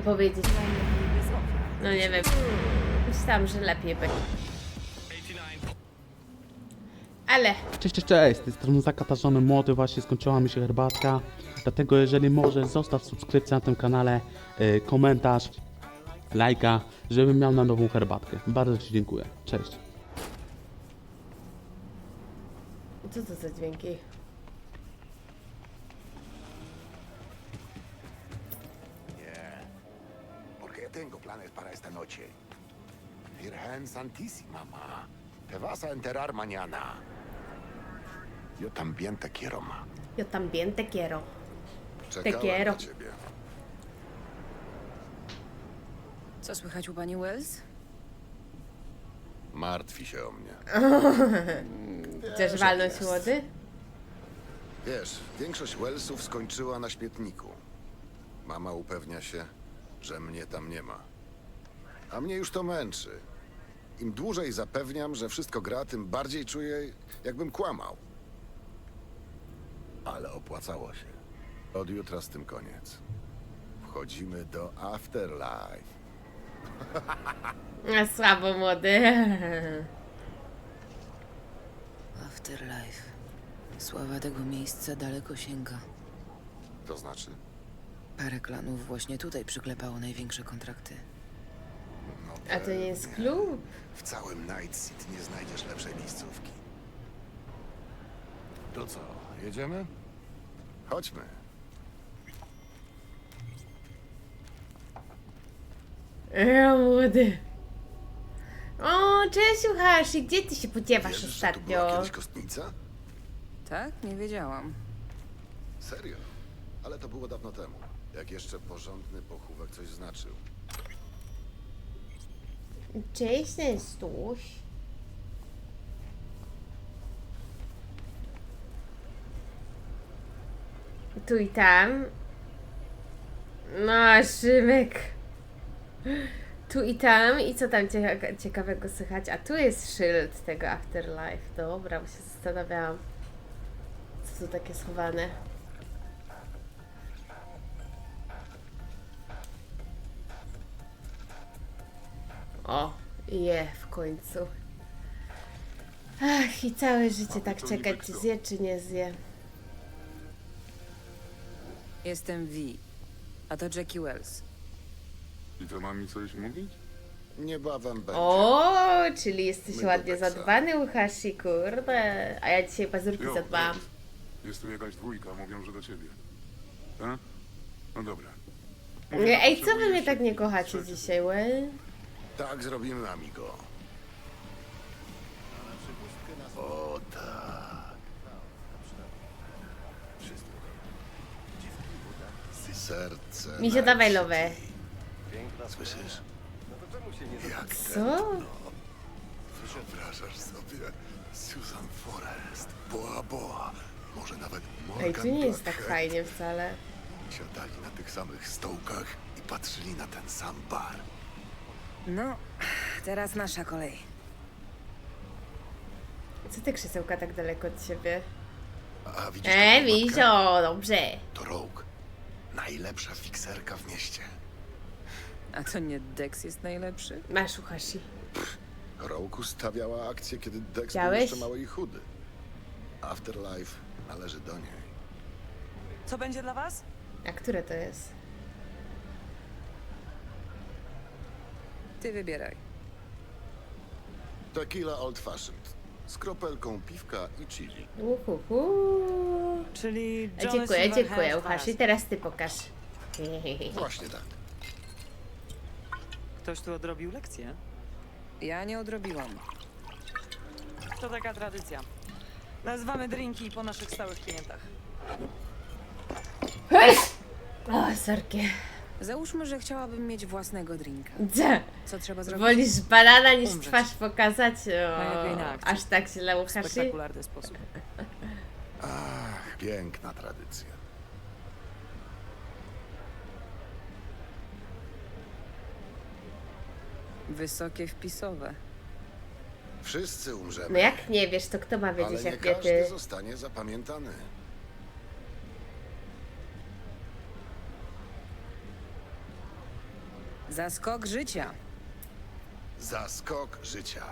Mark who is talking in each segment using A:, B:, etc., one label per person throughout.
A: powiedzieć. No nie wiem. Myślałam, że lepiej będzie. Ale
B: Cześć, z tej strony zakatarzony młody, właśnie skończyła mi się herbatka. Dlatego jeżeli możesz, zostaw subskrypcję na tym kanale, komentarz, lajka, żebym miał na nową herbatkę. Bardzo Ci dziękuję. Cześć.
A: co to za dźwięki?
C: Porque tengo planes para esta noche. Virgen Santísima, ma. Te vas a enterar mañana. Yo también te quiero, ma.
A: Yo también te quiero.
C: Czekałem
A: quiero.
C: na ciebie.
D: Co słychać u pani Wells?
C: Martwi się o mnie.
A: Chcesz walnąć młody?
C: Wiesz, większość Wellsów skończyła na śmietniku. Mama upewnia się, że mnie tam nie ma. A mnie już to męczy. Im dłużej zapewniam, że wszystko gra, tym bardziej czuję, jakbym kłamał. Ale opłacało się. Od jutra z tym koniec. Wchodzimy do Afterlife.
A: A słabo młody.
D: Afterlife. Sława tego miejsca daleko sięga.
C: To znaczy?
D: Parę klanów właśnie tutaj przyklepało największe kontrakty.
C: No
A: A to nie jest klub?
C: W całym Night City nie znajdziesz lepszej miejscówki. To co, jedziemy? Chodźmy.
A: Młody. O, cześć Uchashi, gdzie ty się podziewasz
C: Wierzysz, że tu była
A: ostatnio?
C: kiedyś kostnica?
D: Tak? Nie wiedziałam.
C: Serio? Ale to było dawno temu. Jak jeszcze porządny pochówek coś znaczył.
A: Cześć, Nestuś. Tu i tam. No, Szymek. Tu i tam. I co tam ciekawego słychać? A tu jest szyld tego Afterlife. Dobra, bo się zastanawiałam. Co tu takie schowane? O, w końcu. Ach, i całe życie tak czekać, czy zje, czy nie zje.
D: Jestem Vi. A to Jackie Wells.
E: I to ma mi coś mówić?
C: Niebawem będzie.
A: O, czyli jesteś
C: My do
A: ładnie
C: Teksa.
A: zadbany, Uchashi, kurde. A ja dzisiaj pazurki
E: Jo,
A: zadbałam.
E: Wells. Jest tu jakaś dwójka, mówią, że do ciebie. Tak? No dobra. Mówię, że
A: Ej, co wy
E: potrzebujesz
A: mnie tak nie
E: się-
A: kochacie
E: trzecie.
A: dzisiaj, well?
C: Tak zrobimy, amigo. O tak. Serce.
A: Misio,
C: Night
A: dawaj
C: City.
A: lowę.
C: Słyszysz? Jak
A: Co?
C: wyobrażasz sobie Susan Forrest, Boa Boa, może nawet Morgan
A: Ej, tu nie jest tak
C: Blackhead
A: fajnie wcale.
C: siadali na tych samych stołkach i patrzyli na ten sam bar.
D: No, teraz nasza kolej.
A: Co te krzesełka tak daleko od siebie?
C: A widzisz taką matkę?
A: Misio, dobrze.
C: To Rogue. Najlepsza fikserka w mieście.
D: A to nie Dex jest najlepszy?
A: Masz, Uchashi.
C: Rogue ustawiała akcję, kiedy Dex był
A: Widziałeś?
C: jeszcze mały i chudy. Afterlife należy do niej.
F: Co będzie dla was?
A: A które to jest?
D: Ty wybieraj.
C: Tequila Old Fashioned. Z kropelką piwka i chili.
A: Uhuhu.
F: Czyli
A: A
F: Johnny
A: dziękuję,
F: Silverhand
A: Uchashi.
F: Pass.
A: Teraz ty pokaż.
C: Właśnie tak.
F: Ktoś tu odrobił lekcję?
D: Ja nie odrobiłam.
F: To taka tradycja. Nazywamy drinki po naszych stałych klientach.
A: O, sorki.
D: Załóżmy, że chciałabym mieć własnego drinka.
A: Gdzie?
D: Co trzeba zrobić?
A: Wolisz banana niż
F: Umrzeć.
A: twarz pokazać?
F: Najlepiej na
A: O,
F: akcji.
A: aż tak źle,
F: W
A: Uchashi?
F: spektakularny sposób.
C: Ach, piękna tradycja.
D: Wysokie wpisowe.
C: Wszyscy umrzemy.
A: No jak nie wiesz, to kto ma
C: ale
A: wiedzieć,
C: nie
A: jak nie
C: każdy
A: ty?
C: zostanie zapamiętany.
D: Zaskok życia.
C: Zaskok życia.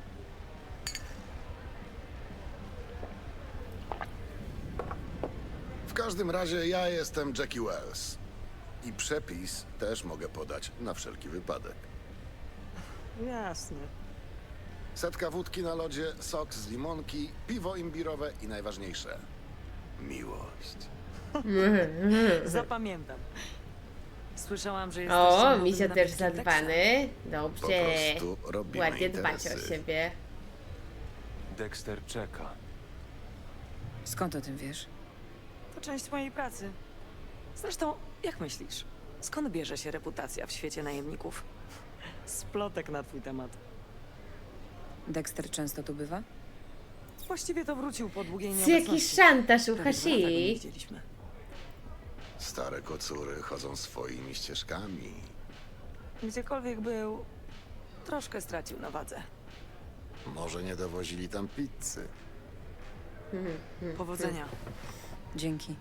C: W każdym razie ja jestem Jackie Wells. I przepis też mogę podać na wszelki wypadek.
F: Jasne.
C: Setka wódki na lodzie, sok z limonki, piwo imbirowe i najważniejsze miłość.
F: Zapamiętam. Słyszałam, że jesteście
A: O,
F: nowym
A: Misio też
F: nabytkiem
A: zadbany.
C: Po
A: Dobrze.
C: prostu robimy
A: Ładnie dbać
C: interesy.
A: o siebie.
G: Dexter czeka.
D: Skąd o tym wiesz?
F: Teksasu. To część mojej pracy. Zresztą, jak myślisz, skąd bierze się reputacja w świecie najemników? Splotek na twój temat.
D: Dexter często tu bywa?
F: Właściwie to wrócił po długiej
A: Jest
F: nieobecności.
A: jakiś szantaż u
F: Prawie 2 lata go nie
A: Hashi.
F: widzieliśmy.
C: Stare kocury chodzą swoimi ścieżkami.
F: Gdziekolwiek był, troszkę stracił na wadze.
C: Może nie dowozili tam pizzy.
F: Powodzenia.
D: Dzięki.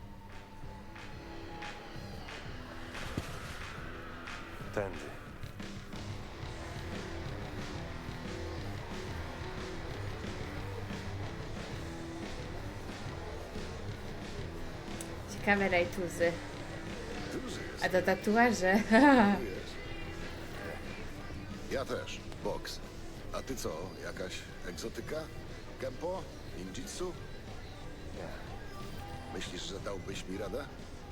G: Tędy.
A: Ciekawe rajtuzy.
C: Duży jest.
A: A to tatuaże.
C: Wiesz. Ja też. Boks. A ty co? Jakaś egzotyka? Kempo? Ninjitsu? Myślisz, że dałbyś mi radę?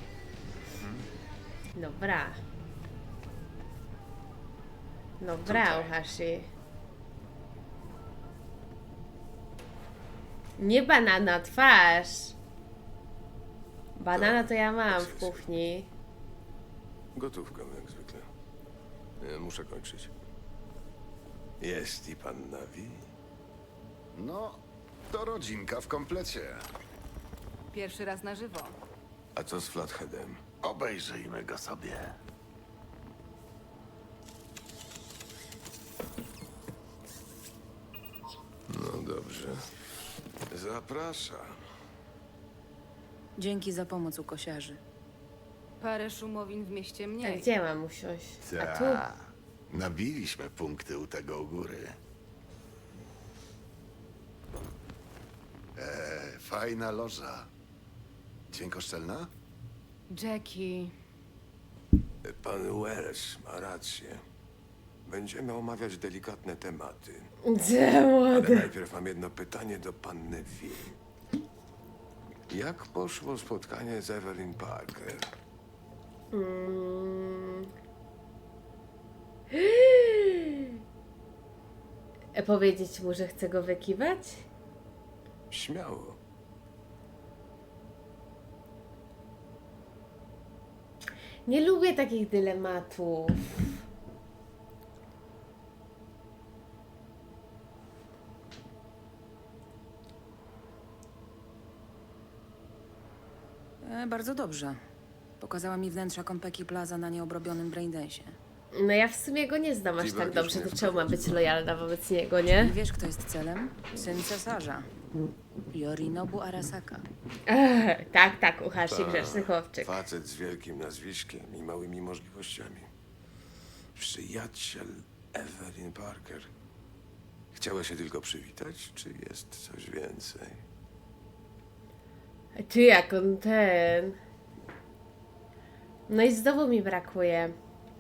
A: Dobra. Dobra, u Hashi. Nie banana, twarz. Banana to ja mam w kuchni.
H: Gotówką, jak zwykle. Muszę kończyć. Jest i pan Navi?
C: No, to rodzinka w komplecie.
I: Pierwszy raz na żywo.
H: A co z Flatheadem?
C: Obejrzyjmy go sobie.
H: No dobrze. Zapraszam.
D: Dzięki za pomoc u kosiarzy.
I: Parę szumowin w mieście
A: A
I: mniej.
A: gdzie mam usiąść? A tu?
C: Nabiliśmy punkty u tego u góry. Fajna loża. Dźwiękoszczelna?
I: Jackie.
H: Pan Wells ma rację. Będziemy omawiać delikatne tematy.
A: Gdzie
H: Ale
A: młody?
H: najpierw mam jedno pytanie do panny V. Jak poszło spotkanie z Evelyn Parker?
A: Powiedzieć mu, że chcę go wykiwać?
H: Śmiało.
A: Nie lubię takich dylematów.
D: Bardzo dobrze. Pokazała mi wnętrza Konpeki Plaza na nieobrobionym braindensie.
A: No ja w sumie go nie znam aż
H: Dziwak
A: tak
H: już
A: dobrze,
H: nie
A: to czemu mam być
H: wprowadzi.
A: lojalna wobec niego, nie?
D: I wiesz, kto jest celem? Syn cesarza. Yorinobu Arasaka.
A: Tak, tak, u Hashi grzeczny chłopczyk.
H: Facet z wielkim nazwiskiem i małymi możliwościami. Przyjaciel Evelyn Parker. Chciała się tylko przywitać, czy jest coś więcej?
A: Ty, jak on ten... No i znowu mi brakuje.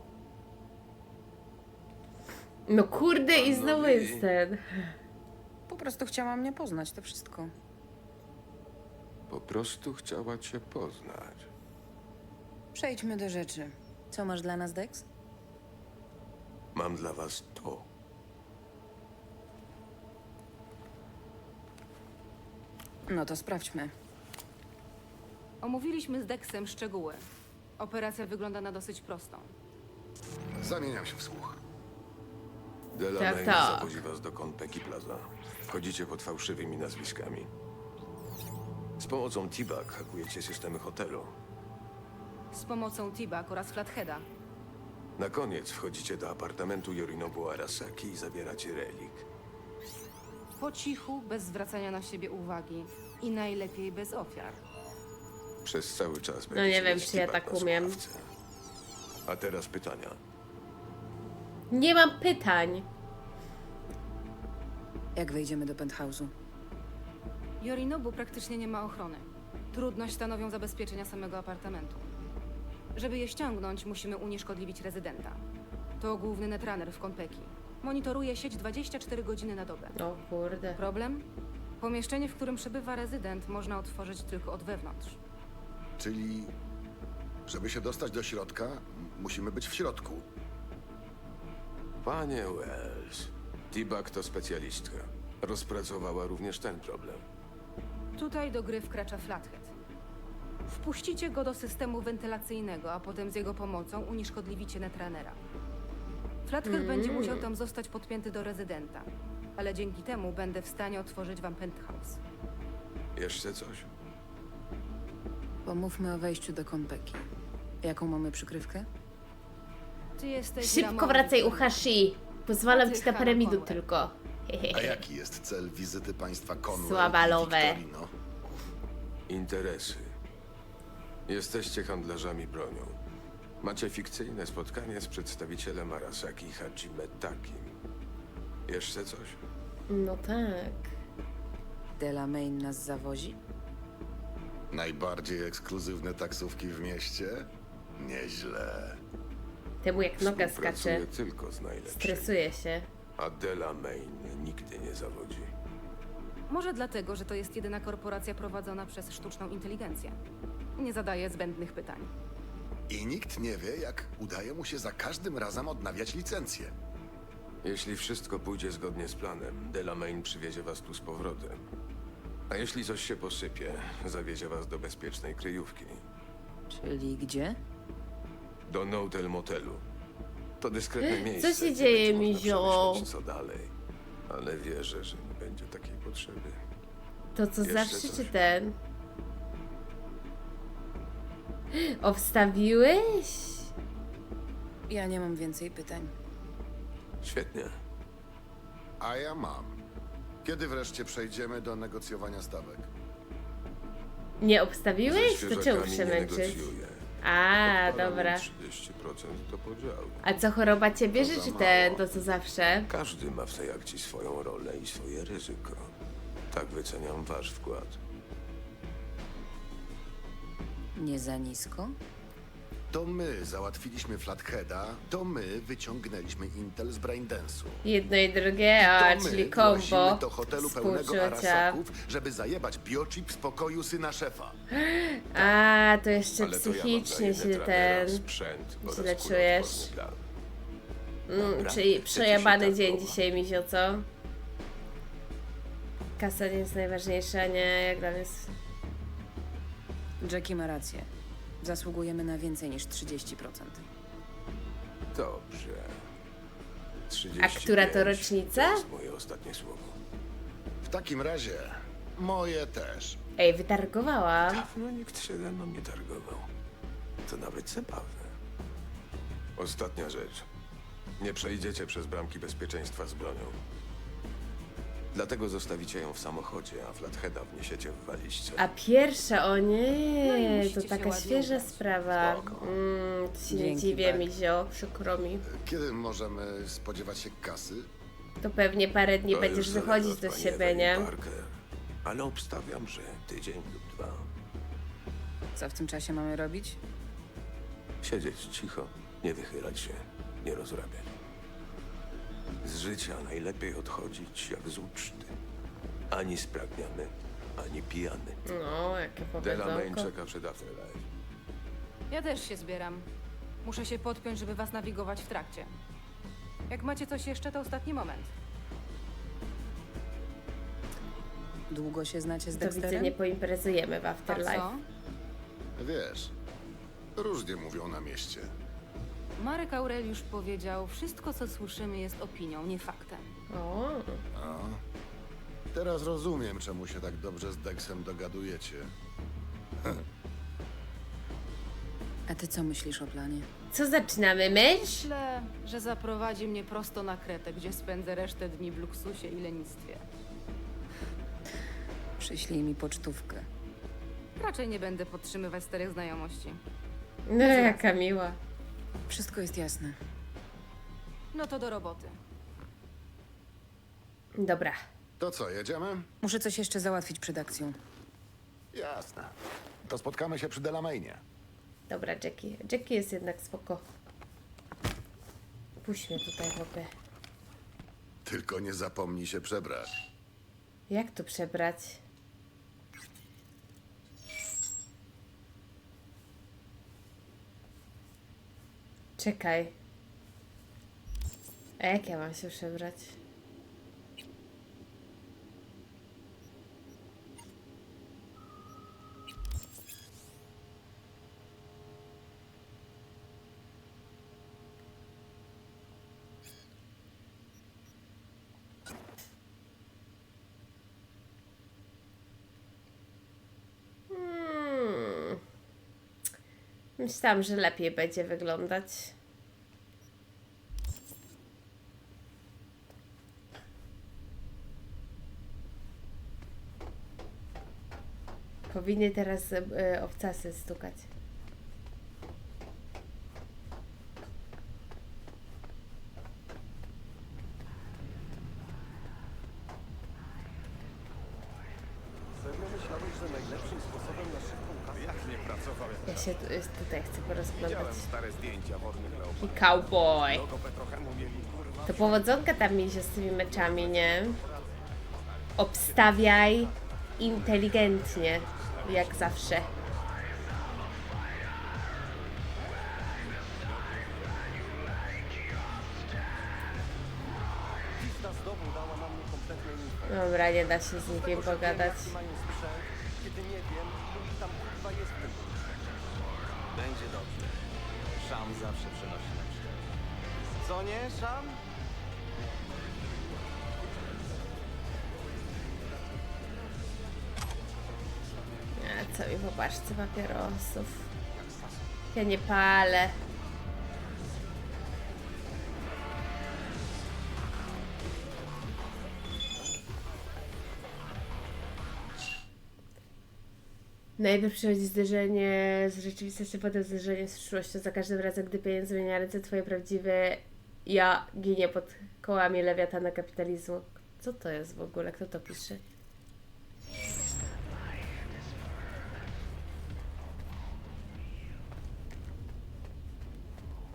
A: No kurde, i znowu
H: Panowie.
A: jest ten.
D: Po prostu chciała mnie poznać, to wszystko.
H: Po prostu chciała cię poznać.
D: Przejdźmy do rzeczy. Co masz dla nas, Dex?
H: Mam dla was to.
D: No to sprawdźmy.
I: Omówiliśmy z Dexem szczegóły. Operacja wygląda na dosyć prostą.
C: Zamieniam się w słuch.
H: Delaney
A: tak.
H: zawozi was do Konpeki Plaza. Wchodzicie pod fałszywymi nazwiskami. Z pomocą T-Bag hakujecie systemy hotelu.
I: Z pomocą T-Bag oraz Flatheada.
H: Na koniec wchodzicie do apartamentu Yorinobu Arasaki i zabieracie relik.
I: Po cichu, bez zwracania na siebie uwagi. I najlepiej bez ofiar.
H: Przez cały czas
A: nie
H: będziecie
A: wiem,
H: mieć
A: czy ja
H: T-Bag
A: tak
H: na
A: umiem.
H: słuchawce. A teraz pytania.
A: Nie mam pytań.
D: Jak wejdziemy do penthouse'u?
I: Yorinobu praktycznie nie ma ochrony. Trudność stanowią zabezpieczenia samego apartamentu. Żeby je ściągnąć, musimy unieszkodliwić rezydenta. To główny netrunner w Konpeki. Monitoruje sieć 24 godziny na dobę.
A: O kurde.
I: Problem? Pomieszczenie, w którym przebywa rezydent, można otworzyć tylko od wewnątrz.
C: Czyli, żeby się dostać do środka, musimy być w środku.
H: Panie Wells, T-Bag to specjalistka. Rozpracowała również ten problem.
I: Tutaj do gry wkracza Flathead. Wpuścicie go do systemu wentylacyjnego, a potem z jego pomocą unieszkodliwicie netrunnera. Flathead będzie musiał tam zostać podpięty do rezydenta, ale dzięki temu będę w stanie otworzyć wam penthouse.
H: Jeszcze coś?
D: Pomówmy o wejściu do Konpeki. Jaką mamy przykrywkę?
I: Ty jesteś
A: Szybko
I: Ramon
A: wracaj u
I: Wiktor.
A: Hashi. Pozwalam
I: A ty
A: ci na parę
I: Hannah
A: minut
I: Conway.
A: tylko.
C: A jaki jest cel wizyty państwa Conway
A: Słabalowe.
C: i Victorino?
H: Interesy. Jesteście handlarzami bronią. Macie fikcyjne spotkanie z przedstawicielem Arasaki Hajime Takim. Jeszcze coś?
A: No tak.
D: Delamain nas zawozi?
C: Najbardziej ekskluzywne taksówki w mieście? Nieźle.
A: Temu jak noga
H: Współpracuję
A: skacze.
H: tylko z najlepszymi.
A: Stresuje się.
H: A Delamain nigdy nie zawodzi.
I: Może dlatego, że to jest jedyna korporacja prowadzona przez sztuczną inteligencję. Nie zadaje zbędnych pytań.
C: I nikt nie wie, jak udaje mu się za każdym razem odnawiać licencję.
H: Jeśli wszystko pójdzie zgodnie z planem, Delamain przywiezie was tu z powrotem. A jeśli coś się posypie, zawiezie was do bezpiecznej kryjówki.
D: Czyli gdzie?
H: Do Notel Motelu. To dyskretne miejsce.
A: Co się
H: gdzie
A: dzieje,
H: będzie można
A: Mizio?
H: przemyśleć, co dalej. Ale wierzę, że nie będzie takiej potrzeby.
A: To co
H: Jeszcze
A: zawsze
H: coś?
A: czy ten? O, wstawiłeś?
D: Ja nie mam więcej pytań.
H: Świetnie.
C: A ja mam. Kiedy wreszcie przejdziemy do negocjowania stawek?
A: Nie
H: Ze
A: obstawiłeś? To czemu
H: świeżakami
A: się
H: nie
A: męczyć?
H: negocjuję.
A: A,
H: Odpalam
A: dobra.
H: 30% do podziału.
A: A co, choroba cię bierze,
C: To za
A: czy ten?
C: mało.
A: To co zawsze?
H: Każdy ma w tej akcji swoją rolę i swoje ryzyko. Tak wyceniam wasz wkład.
D: Nie za nisko?
C: To my załatwiliśmy Flatheada, to my wyciągnęliśmy Intel z Braindance'u.
A: Jedno i drugie, a
C: To my
A: czyli
C: włazimy
A: kombo.
C: do hotelu pełnego
A: Współczucia.
C: Arasaków, żeby zajebać biochip z pokoju syna szefa.
A: A, to jeszcze
H: Ale to ja wam
A: psychicznie
H: daję
A: się
H: netrunnera,
A: ten...
H: sprzęt oraz
A: źle
H: kuloodporny
A: czujesz.
H: plan.
A: Czyli
H: Dobra, chcecie się
A: przejebany
H: tak
A: dzień
H: chowa.
A: dzisiaj, Mizio, co? Kasa nie jest najważniejsza, nie? Jak dla mnie jest...
D: Jackie ma rację. Zasługujemy na więcej niż 30%.
H: Dobrze. 35
A: A która to rocznica?
H: To jest moje ostatnie słowo.
C: W takim razie moje też.
A: Ej, wytargowałam.
H: Dawno nikt się ze mną nie targował. To nawet zabawne. Ostatnia rzecz. Nie przejdziecie przez bramki bezpieczeństwa z bronią. Dlatego zostawicie ją w samochodzie, a Flatheada wniesiecie w walizce.
A: A pierwsza, o
I: No i
A: nie,
I: musicie
A: to
I: się
A: taka
I: ładnie
A: świeża
I: ubrać.
A: sprawa.
H: Spoko.
A: To się nie
D: Dzięki,
A: dziwię,
D: Bart.
A: Mizio, przykro mi.
C: Kiedy możemy spodziewać się kasy?
A: To pewnie parę dni
H: To
A: będziesz
H: już zależy
A: wychodzić
H: od
A: do
H: pani
A: siebie,
H: Evelyn
A: nie?
H: Parker. Ale obstawiam, że tydzień lub 2.
D: Co w tym czasie mamy robić?
H: Siedzieć cicho, nie wychylać się, nie rozrabiać. Z życia najlepiej odchodzić jak z uczty. Ani spragniony, ani pijany.
A: No, jakie
H: Delamain
A: powiedzonko.
H: czeka przed Afterlife.
I: Ja też się zbieram. Muszę się podpiąć, żeby was nawigować w trakcie. Jak macie coś jeszcze, to ostatni moment.
D: Długo się znacie z
A: To widzę,
D: Dexterem?
A: nie poimprezujemy w
I: A
A: Afterlife.
I: co?
C: Wiesz, różnie mówią na mieście.
I: Marek Aureliusz powiedział, wszystko co słyszymy jest opinią, nie faktem.
A: O,
C: A? Teraz rozumiem, czemu się tak dobrze z Dexem dogadujecie.
D: A ty co myślisz o planie?
A: co zaczynamy myć?
I: Myślę, że zaprowadzi mnie prosto na Kretę, gdzie spędzę resztę dni w luksusie i lenistwie.
D: Przyślij mi pocztówkę.
I: Raczej nie będę podtrzymywać starych znajomości.
A: No, jaka miła.
D: Wszystko jest jasne.
I: No to do roboty.
A: Dobra.
C: To co, jedziemy?
D: Muszę coś jeszcze załatwić przed akcją.
C: Jasne. To spotkamy się przy Delamainie.
A: Dobra, Jackie. Jackie jest jednak spoko. Puść mnie tutaj, chłopie.
C: Tylko nie zapomnij się przebrać.
A: Jak to przebrać? Czekaj. A jak ja mam się przebrać? Myślałam, że lepiej będzie wyglądać. Powinny teraz obcasy stukać. Ja się tutaj chcę porozglądać. I cowboy. To powodzonka tam mieć z tymi meczami, nie? Obstawiaj inteligentnie, jak zawsze. Dobra, nie da się z nikim pogadać.
J: Będzie dobrze. Szam zawsze przynosi lepsze. Co nie, Szam?
A: A co mi po paczce papierosów? Ja nie palę. Najpierw przychodzi zderzenie z rzeczywistością, potem zderzenie z przyszłością. Za każdym razem, gdy pieniądz zmienia ręce, twoje prawdziwe ja ginie pod kołami lewiatana kapitalizmu. Co to jest w ogóle? Kto to pisze?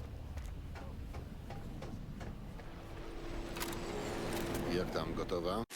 C: Jak tam, gotowa?